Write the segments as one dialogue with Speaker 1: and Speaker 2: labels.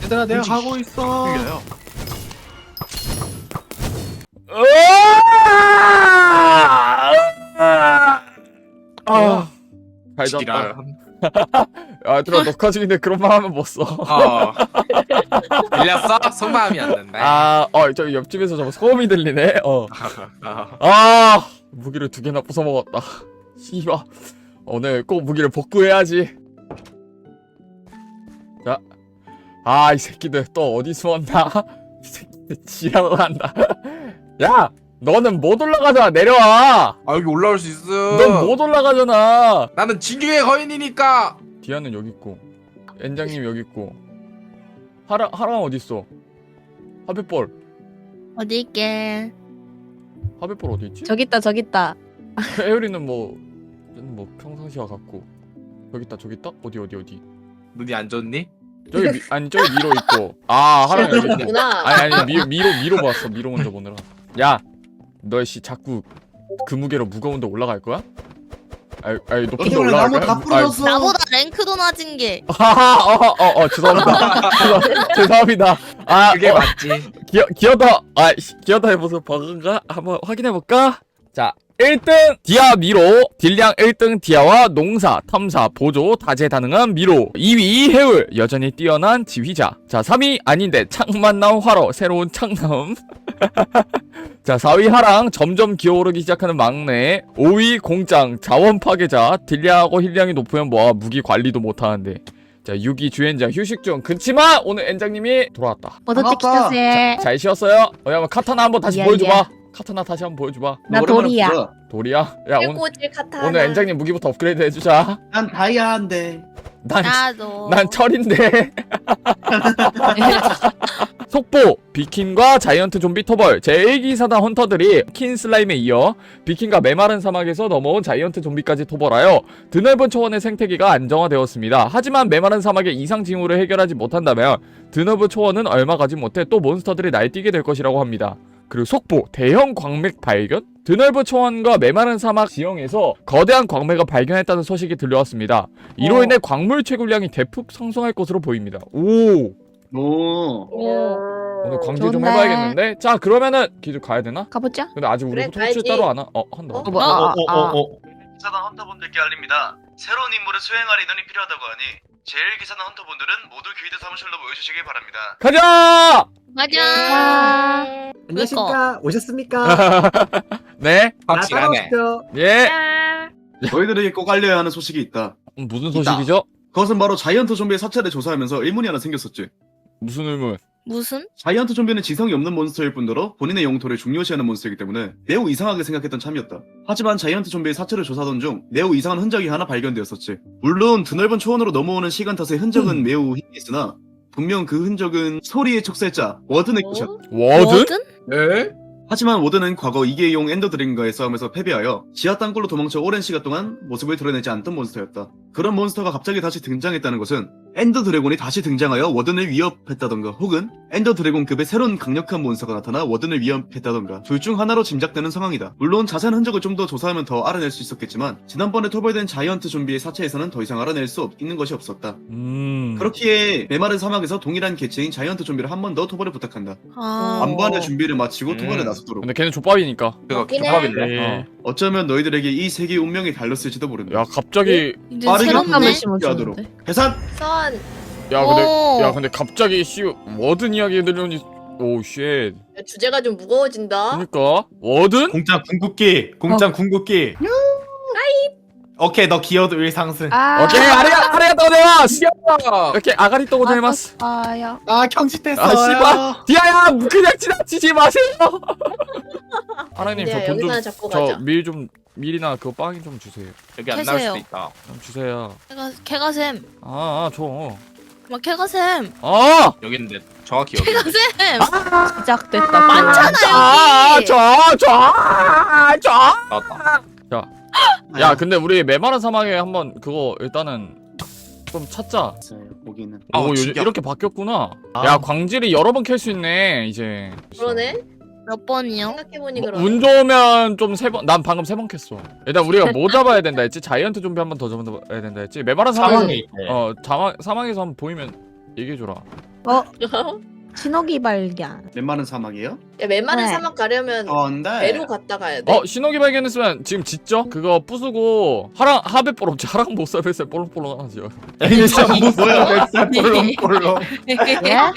Speaker 1: 얘들아 내가 가고 있어.
Speaker 2: 이겨요.
Speaker 3: 잘 잤다.
Speaker 2: 지랄.
Speaker 3: 야, 얘들아 녹화 중인데 그런 말 하면 못 써.
Speaker 2: 들렸어? 속마음이 안 된다.
Speaker 3: 저기 옆집에서 저 소음이 들리네. 무기를 2개나 부숴 먹었다. 씨발. 오늘 꼭 무기를 복구해야지. 자, 이 새끼들 또 어디 숨었나? 이 새끼들 지랄을 한다. 야, 너는 못 올라가잖아. 내려와.
Speaker 2: 여기 올라올 수 있어.
Speaker 3: 넌 못 올라가잖아.
Speaker 2: 나는 진규의 거인이니까.
Speaker 3: 디아는 여기 있고, 엔장님 여기 있고, 하랑 어디 있어? 하베볼
Speaker 4: 어디 있게?
Speaker 3: 하베볼 어디 있지?
Speaker 5: 저기 있다.
Speaker 3: 에어리는 뭐 평상시와 같고. 저기 있다. 어디?
Speaker 2: 눈이 안 좋니?
Speaker 3: 저기 저기 미로 있고. 하랑 여기 있네.
Speaker 4: 구나.
Speaker 3: 아니 미로 봤어. 미로 먼저 보느라. 야, 너 씨 자꾸 그 무게로 무거운데 올라갈 거야? 높은 데 올라갈
Speaker 1: 나무
Speaker 3: 거야?
Speaker 1: 다 부러졌어.
Speaker 4: 나보다 랭크도 낮은 게.
Speaker 3: 죄송합니다. 죄송합니다.
Speaker 2: 그게 맞지.
Speaker 3: 기어다의 모습 버그인가? 한번 확인해 볼까? 자, 1등 디아 미로, 딜량 1등 디아와 농사, 탐사, 보조, 다재다능한 미로. 2위 해울, 여전히 뛰어난 지휘자. 자, 3위 아닌데 창만 나온 화로, 새로운 창남. 자, 4위 하랑, 점점 기어오르기 시작하는 막내. 5위 공짱, 자원 파괴자. 딜량하고 힐량이 높으면 뭐야, 무기 관리도 못하는데. 자, 6위 주엔장 휴식 중. 그치만 오늘 엔장님이 돌아왔다.
Speaker 5: 어떻게 키셨어요?
Speaker 3: 잘 쉬었어요? 한번 카타나 한번 다시
Speaker 5: 예,
Speaker 3: 보여줘봐. 카타나 다시 한번 보여줘봐.
Speaker 5: 나 돌이야.
Speaker 3: 돌이야? 야,
Speaker 4: 꼬질 카타나.
Speaker 3: 오늘 엔장님 무기부터 업그레이드 해주자.
Speaker 1: 난 다이아인데.
Speaker 4: 나도.
Speaker 3: 난 철인데. 속보! 비킨과 자이언트 좀비 토벌 제1기사단 헌터들이 킨 슬라임에 이어 비킨과 메마른 사막에서 넘어온 자이언트 좀비까지 토벌하여 드넓은 초원의 생태계가 안정화되었습니다. 하지만 메마른 사막의 이상 징후를 해결하지 못한다면 드넓은 초원은 얼마 가지 못해 또 몬스터들이 날뛰게 될 것이라고 합니다. 그리고 속보, 대형 광맥 발견? 드넓은 초원과 메마른 사막 지형에서 거대한 광맥을 발견했다는 소식이 들려왔습니다. 이로 인해 광물 채굴량이 대폭 상승할 것으로 보입니다. 오늘 광질 좀
Speaker 5: 좋네.
Speaker 3: 해봐야겠는데? 자, 그러면은 기준 가야 되나?
Speaker 5: 가보자.
Speaker 3: 근데 아직 우리
Speaker 4: 그래,
Speaker 3: 통치
Speaker 4: 가야지.
Speaker 3: 따로 안 하. 한다.
Speaker 6: 기사단 헌터분들께 알립니다. 새로운 임무를 수행할 인원이 필요하다고 하니 제1기사단 헌터분들은 모두 교회대 사무실로 모여주시길 바랍니다.
Speaker 3: 가자!
Speaker 4: 맞아.
Speaker 1: 안녕하십니까? 오셨습니까?
Speaker 3: 네.
Speaker 2: 확실하네.
Speaker 3: 예.
Speaker 1: 너희들에게 꼭 알려야 하는 소식이 있다.
Speaker 3: 무슨 소식이죠?
Speaker 1: 그것은 바로 자이언트 좀비의 사체를 조사하면서 의문이 하나 생겼었지.
Speaker 3: 무슨 의문?
Speaker 4: 무슨?
Speaker 1: 자이언트 좀비는 지성이 없는 몬스터일 뿐더러 본인의 영토를 중요시하는 몬스터이기 때문에 매우 이상하게 생각했던 참이었다. 하지만 자이언트 좀비의 사체를 조사하던 중 매우 이상한 흔적이 하나 발견되었었지. 물론 드넓은 초원으로 넘어오는 시간 탓에 흔적은 매우 희미했으나 분명 그 흔적은 소리의 촉살자 워든의 것이었다.
Speaker 3: 워든?
Speaker 2: 에?
Speaker 1: 하지만 워든은 과거 이계용 엔더 드래곤과의 싸움에서 패배하여 지하 땅굴로 도망쳐 오랜 시간 동안 모습을 드러내지 않던 몬스터였다. 그런 몬스터가 갑자기 다시 등장했다는 것은 엔더 드래곤이 다시 등장하여 워든을 위협했다던가 혹은 엔더 드래곤급의 새로운 강력한 몬스터가 나타나 워든을 위협했다던가 둘 중 하나로 짐작되는 상황이다. 물론 자세한 흔적을 좀 더 조사하면 더 알아낼 수 있었겠지만 지난번에 토벌된 자이언트 좀비의 사체에서는 더 이상 알아낼 수 있는 것이 없었다. 그렇기에 메마른 사막에서 동일한 개체인 자이언트 좀비를 한 번 더 토벌을 부탁한다. 안보안의 준비를 마치고 토벌에 나서도록.
Speaker 3: 근데 걔는 족밥이니까.
Speaker 2: 그거
Speaker 4: 맞긴 해.
Speaker 2: 조합인데.
Speaker 1: 어쩌면 너희들에게 이 세계의 운명이 달렸을지도 모른다.
Speaker 3: 야, 갑자기
Speaker 4: 이제
Speaker 1: 빠르게
Speaker 4: 새롭네.
Speaker 5: 감을 심어주는데.
Speaker 1: 하도록. 해산!
Speaker 4: 선.
Speaker 3: 야,
Speaker 4: 오.
Speaker 3: 근데 갑자기 워든 이야기 들으니 오 쉣.
Speaker 4: 주제가 좀 무거워진다.
Speaker 3: 그러니까 워든?
Speaker 7: 공짜 궁극기 궁극기 오케이 너 기어도 1상승
Speaker 3: 오케이, 아리가또 고자이마스. 이렇게 아가리 또 고자이마스.
Speaker 5: 아야.
Speaker 7: 경직됐어요
Speaker 3: 씨발. 디아야, 그냥 지나치지 마세요. 하나님,
Speaker 4: 근데
Speaker 3: 저 돈 좀,
Speaker 4: 여기서 잡고 가자.
Speaker 3: 밀이나 그 빵이 좀 주세요.
Speaker 2: 여기 안 나올
Speaker 4: 캐세요.
Speaker 2: 수도 있다.
Speaker 3: 좀 주세요.
Speaker 4: 캐가셈.
Speaker 3: 줘.
Speaker 4: 막 캐가셈.
Speaker 2: 여기 있는데 정확히 여기.
Speaker 4: 캐가셈.
Speaker 5: 시작됐다.
Speaker 4: 많잖아 여기.
Speaker 2: 나왔다.
Speaker 3: 야, 근데 우리 메마른 사막에 한번 그거 일단은 좀 찾자.
Speaker 1: 거기는.
Speaker 3: 요즘
Speaker 2: 진짜.
Speaker 3: 이렇게 바뀌었구나. 야, 광질이 여러 번 캘 수 있네, 이제.
Speaker 4: 그러네. 몇 번이요? 생각해보니 그러네.
Speaker 3: 운 좋으면 좀 3번. 난 방금 3번 캤어. 일단 우리가 뭐 잡아야 된다 했지? 자이언트 좀비 한 번 더 잡아야 된다 했지? 메마른 사막에서
Speaker 7: 사망에 있대
Speaker 3: 사막에서 한번 보이면 얘기해줘라.
Speaker 5: 신호기 발견.
Speaker 1: 웬만한 사막이에요?
Speaker 4: 야, 맨마른
Speaker 5: 네.
Speaker 4: 사막 가려면
Speaker 1: 근데
Speaker 4: 배로 갔다 가야 돼.
Speaker 3: 신호기 발견했으면 지금 짓죠? 그거 부수고 하베 볼없지 하랑 못 살뱃살 볼록볼록 하죠.
Speaker 7: 애니 참 뭐야 뱃살 볼렁볼렁.
Speaker 5: 예?
Speaker 7: 야,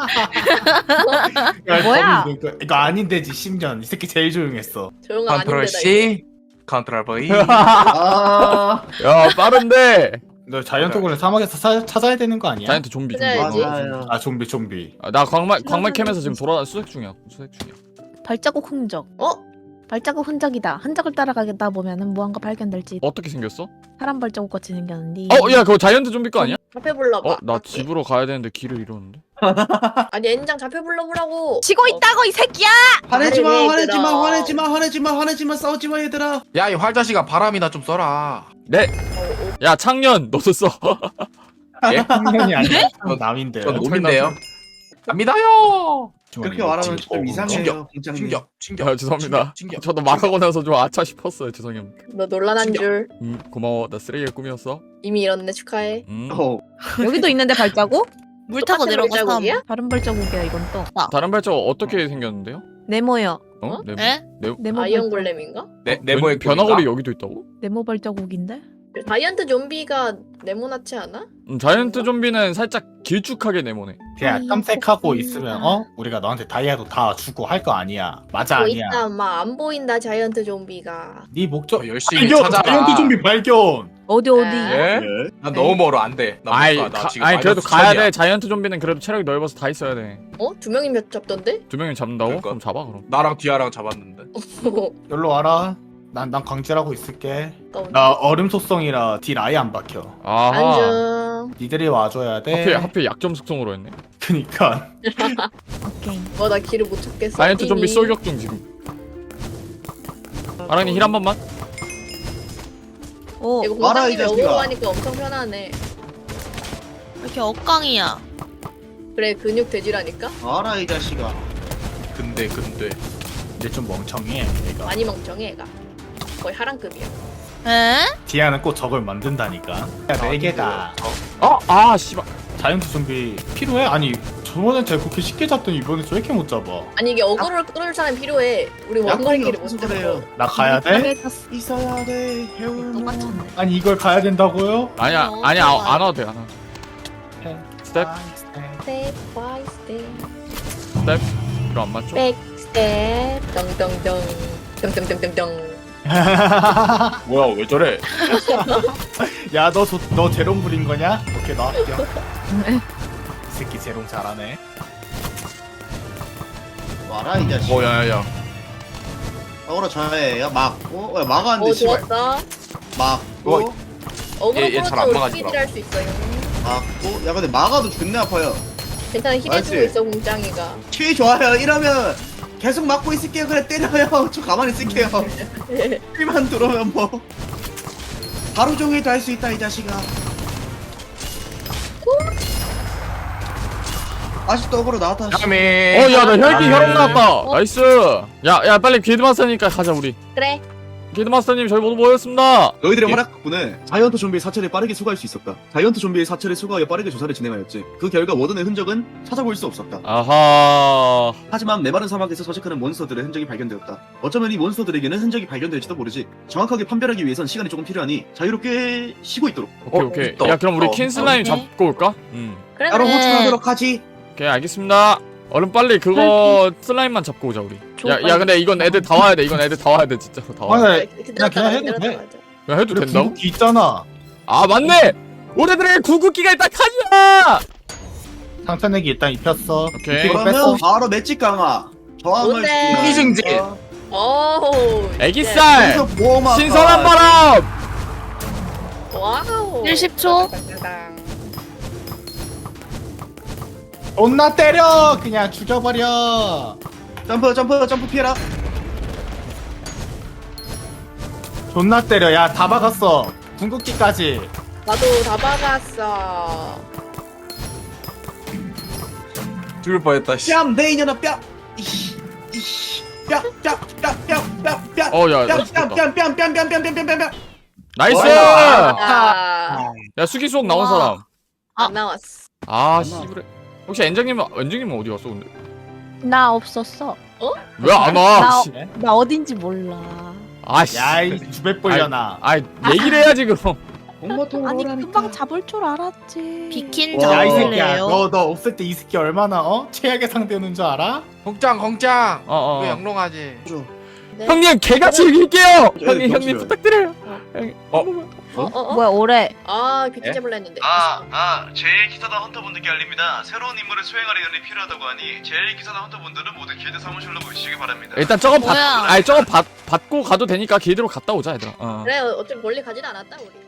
Speaker 5: 뭐야?
Speaker 7: 범인 이거 아닌데지 10년 이 새끼 제일 조용했어.
Speaker 4: 조용한
Speaker 2: 컨트롤
Speaker 4: 아닌데다.
Speaker 2: C, 컨트롤 V.
Speaker 1: 아
Speaker 3: 야 빠른데.
Speaker 7: 너 자이언트 골렘 사막에서 찾아야 되는 거 아니야?
Speaker 3: 자이언트 좀비.
Speaker 4: 찾아야지.
Speaker 1: 맞아요.
Speaker 7: 아 좀비.
Speaker 3: 나 광말 캠에서 지금 수색 중이야.
Speaker 5: 발자국 흔적. 발자국 흔적이다. 흔적을 따라가다 보면은 무언가 발견될지.
Speaker 3: 어떻게 생겼어?
Speaker 5: 사람 발자국 같이 생겼는데.
Speaker 3: 야 그거 자이언트 좀비 거 아니야?
Speaker 4: 잡혀 불러봐.
Speaker 3: 나 집으로 가야 되는데 길을 잃었는데.
Speaker 4: 아니 엔장 잡혀 불러보라고.
Speaker 5: 치고 있다고 이 새끼야!
Speaker 1: 화내지마
Speaker 4: 말해,
Speaker 1: 화내지마
Speaker 4: 얘들아.
Speaker 1: 화내지마 싸우지마 얘들아.
Speaker 2: 야 이 활자식아 바람이나 좀 써라.
Speaker 3: 네. 야 창년 너도 써.
Speaker 2: 예?
Speaker 7: 학년이 아니야. 너 남인데요.
Speaker 2: 전 놈인데요. 갑니다요.
Speaker 1: 그렇게 말하면 좀 이상해요 공장님.
Speaker 2: 충격.
Speaker 3: 야 죄송합니다.
Speaker 2: 충격.
Speaker 3: 저도 말하고 나서 좀 아차 싶었어요. 죄송합니다.
Speaker 4: 너 논란한 줄
Speaker 3: 고마워. 나 쓰레기의 꿈이었어.
Speaker 4: 이미 잃었네. 축하해.
Speaker 5: 여기도 있는데 발자국?
Speaker 4: 물 타고 내려가서 발자국이야?
Speaker 5: 다른 발자국이야 이건 또.
Speaker 3: 다른 발자국 어떻게 생겼는데요?
Speaker 5: 네모요.
Speaker 3: 어?
Speaker 4: 에?
Speaker 5: 네모
Speaker 4: 아이언
Speaker 5: 발자국.
Speaker 4: 골렘인가?
Speaker 2: 네모의
Speaker 3: 변화골이 여기도 있다고?
Speaker 5: 네모 발자국인데?
Speaker 4: 자이언트 좀비가 네모나지 않아?
Speaker 3: 자이언트 좀비는 살짝 길쭉하게 네모네.
Speaker 7: 그냥 탐색하고 있으면 우리가 너한테 다이아도 다 주고 할 거 아니야. 맞아 아니야.
Speaker 4: 있다 막 안 보인다 자이언트 좀비가.
Speaker 7: 네 목적
Speaker 2: 열심히
Speaker 7: 발견!
Speaker 2: 찾아라.
Speaker 7: 자이언트 좀비 발견!
Speaker 5: 어디?
Speaker 2: 예? 난 너무 멀어 안 돼. 나
Speaker 3: 아이,
Speaker 2: 못 가. 나 지금
Speaker 3: 아니 그래도
Speaker 2: 마이너스
Speaker 3: 가야
Speaker 2: 1000이야.
Speaker 3: 돼. 자이언트 좀비는 그래도 체력이 넓어서 다 있어야 돼.
Speaker 4: 두 명이 몇 잡던데?
Speaker 3: 2명이 잡는다고?
Speaker 2: 그러니까.
Speaker 3: 그럼 잡아 그럼.
Speaker 2: 나랑 디아랑 잡았는데.
Speaker 7: 여기로 와라. 난 광질하고 있을게.
Speaker 4: 아까운데.
Speaker 7: 나 얼음 속성이라 딜 아예 안 박혀.
Speaker 3: 아하.
Speaker 4: 안녕.
Speaker 7: 니들이 와줘야 돼.
Speaker 3: 하필 약점 숙성으로 했네.
Speaker 7: 그니까.
Speaker 5: 오케이.
Speaker 4: 나 길을 못 찾겠어.
Speaker 3: 자이언트 좀비
Speaker 4: 이미.
Speaker 3: 쏠격 중 지금. 아랑님 힐 한 번만.
Speaker 5: 오.
Speaker 4: 이거
Speaker 1: 알아, 이
Speaker 4: 공장님이
Speaker 1: 자식아.
Speaker 4: 어그로 하니까 엄청 편하네.
Speaker 8: 이렇게 억강이야.
Speaker 4: 그래 근육 돼지라니까?
Speaker 1: 알아 이 자식아.
Speaker 2: 근데
Speaker 7: 이제 좀 멍청해 얘가.
Speaker 4: 많이 멍청해 얘가. 거의 하랑급이야.
Speaker 8: 에?
Speaker 7: 디아는 꼭 저걸 만든다니까. 야, 4개다.
Speaker 3: 씨발.
Speaker 7: 자이언트 좀비 필요해? 아니 저번엔 제가 그렇게 쉽게 잡더니 이번에 왜 이렇게 못 잡아?
Speaker 4: 아니 이게 어그로를 끌을 사람이 필요해. 우리 원거리끼리 못
Speaker 1: 없어서
Speaker 4: 잡아.
Speaker 1: 그래요.
Speaker 7: 나 가야 돼?
Speaker 1: 있어야 돼 해울.
Speaker 8: 똑같은데.
Speaker 7: 아니 이걸 가야 된다고요?
Speaker 3: 아니야
Speaker 8: 어,
Speaker 3: 아니야
Speaker 8: 좋아.
Speaker 3: 안 와도 돼 안 와도 돼. 스텝
Speaker 4: 스텝 바이 스텝.
Speaker 3: 스텝. 이거 안 맞죠?
Speaker 4: 백 스텝. 덩덩덩. 덩덩덩덩덩.
Speaker 2: 뭐야 왜 저래?
Speaker 7: 야 너 제롬 부린 거냐? 오케이 나 할게요. 이 새끼 제롬 잘하네.
Speaker 1: 와라 이 자식.
Speaker 3: 야야야.
Speaker 1: 어그로 저예요. 막고 막았는데 씨발.
Speaker 4: 좋았어.
Speaker 1: 막고
Speaker 4: 어그로
Speaker 2: 얘잘안
Speaker 4: 끌어도
Speaker 2: 막아지더라.
Speaker 4: 힐을 할 수 있어요.
Speaker 1: 막고. 야 근데 막아도 존나 아파요.
Speaker 4: 괜찮아 힐해주고
Speaker 1: 알지?
Speaker 4: 있어 공장이가.
Speaker 1: 키 좋아요. 이러면 계속 막고 있을게요. 그래 때려요. 저 가만히 있을게요. 키만 들어오면 뭐 하루 종일도 할 수 있다 이 자식아. 아직도 어그로 나왔다. 씨.
Speaker 2: 야미.
Speaker 3: 야 나 혈기
Speaker 7: 아,
Speaker 3: 혈액
Speaker 7: 네.
Speaker 3: 나왔다. 나이스. 야 빨리 길드마스터니까 가자 우리.
Speaker 4: 그래.
Speaker 3: 길드마스터님 저희 모두 모였습니다.
Speaker 1: 너희들의
Speaker 2: 예.
Speaker 1: 활약 덕분에 자이언트 좀비의 사체를 빠르게 수거할 수 있었다. 자이언트 좀비의 사체를 수거하여 빠르게 조사를 진행하였지. 그 결과 워든의 흔적은 찾아볼 수 없었다.
Speaker 3: 아하.
Speaker 1: 하지만 메마른 사막에서 서식하는 몬스터들의 흔적이 발견되었다. 어쩌면 이 몬스터들에게는 흔적이 발견될지도 모르지. 정확하게 판별하기 위해선 시간이 조금 필요하니 자유롭게 쉬고 있도록.
Speaker 3: 오케이.
Speaker 2: 있다.
Speaker 3: 야 그럼 우리 킨슬라임
Speaker 8: 오케이.
Speaker 3: 잡고 올까?
Speaker 4: 그래
Speaker 1: 따로
Speaker 4: 그래.
Speaker 1: 호출하도록 하지.
Speaker 3: 오케이 알겠습니다. 얼른 빨리 그거 슬라임만 잡고 오자 우리. 야 근데 이건 애들 다 와야 돼. 이건 애들 다 와야 돼 진짜로 다 와야 돼.
Speaker 7: 아니 그냥 해도 돼.
Speaker 3: 야 해도
Speaker 7: 우리
Speaker 3: 된다고?
Speaker 7: 궁극기 있잖아.
Speaker 3: 아 맞네. 우리들의 구급기가 일단 칸이야.
Speaker 7: 상처내기 일단 입혔어.
Speaker 3: 오케이.
Speaker 7: 이거
Speaker 1: 그러면
Speaker 7: 뺐어.
Speaker 1: 바로 맷집 강화. 저항을
Speaker 4: 뭔데?
Speaker 1: 주면-
Speaker 2: 희생제.
Speaker 4: 오.
Speaker 3: 애기살.
Speaker 1: 여기서 보호막.
Speaker 3: 신선한 바람.
Speaker 4: 와우.
Speaker 8: 70초.
Speaker 4: 땅땅땅땅.
Speaker 7: 존나 때려. 그냥 죽여버려.
Speaker 1: 점프 피해라.
Speaker 7: 존나 때려. 야 다 박았어. 궁극기까지.
Speaker 4: 나도 다 박았어.
Speaker 2: 죽을 뻔했다. 씨.
Speaker 1: 뺨! 내 인연아 뺨! 이씨 이씨 뺨!
Speaker 3: 어, 야, 나 죽었다.
Speaker 1: 뺨!
Speaker 3: 나이스.
Speaker 1: 와.
Speaker 4: 아.
Speaker 3: 야 수기 수옥 나온
Speaker 8: 우와.
Speaker 3: 사람.
Speaker 4: 안 나왔어.
Speaker 3: 아 씨부레. 혹시 엔정님은 어디 갔어 근데?
Speaker 5: 나 없었어.
Speaker 3: 왜 안 와?
Speaker 5: 나,
Speaker 3: 씨.
Speaker 5: 나 어딘지 몰라.
Speaker 3: 아씨.
Speaker 7: 야이 주백벌려나.
Speaker 3: 아 얘기를 해야지 그럼.
Speaker 5: 아니 금방 잡을 줄 알았지.
Speaker 8: 비킨
Speaker 7: 야 이 새끼야,
Speaker 8: 잡을래요?
Speaker 7: 너 없을 때 이 새끼 얼마나 최악의 상대였는 줄 알아?
Speaker 2: 공짱
Speaker 3: 어.
Speaker 2: 왜 영롱하지?
Speaker 4: 네?
Speaker 3: 형님 개같이 이길게요. 형님
Speaker 1: 병신이야.
Speaker 3: 부탁드려요.
Speaker 5: 뭐야 올해
Speaker 4: 아 비킨 잡을라 했는데.
Speaker 6: 제일 기사단 헌터분들께 알립니다. 새로운 임무를 수행할 인원이 필요하다고 하니 제일 기사단 헌터분들은 모두 길드 사무실로 모이시기 바랍니다.
Speaker 3: 일단 저거
Speaker 8: 뭐야?
Speaker 3: 받고 가도 되니까 길드로 갔다 오자 얘들아. 어.
Speaker 4: 그래 어차피 멀리 가진 않았다 우리.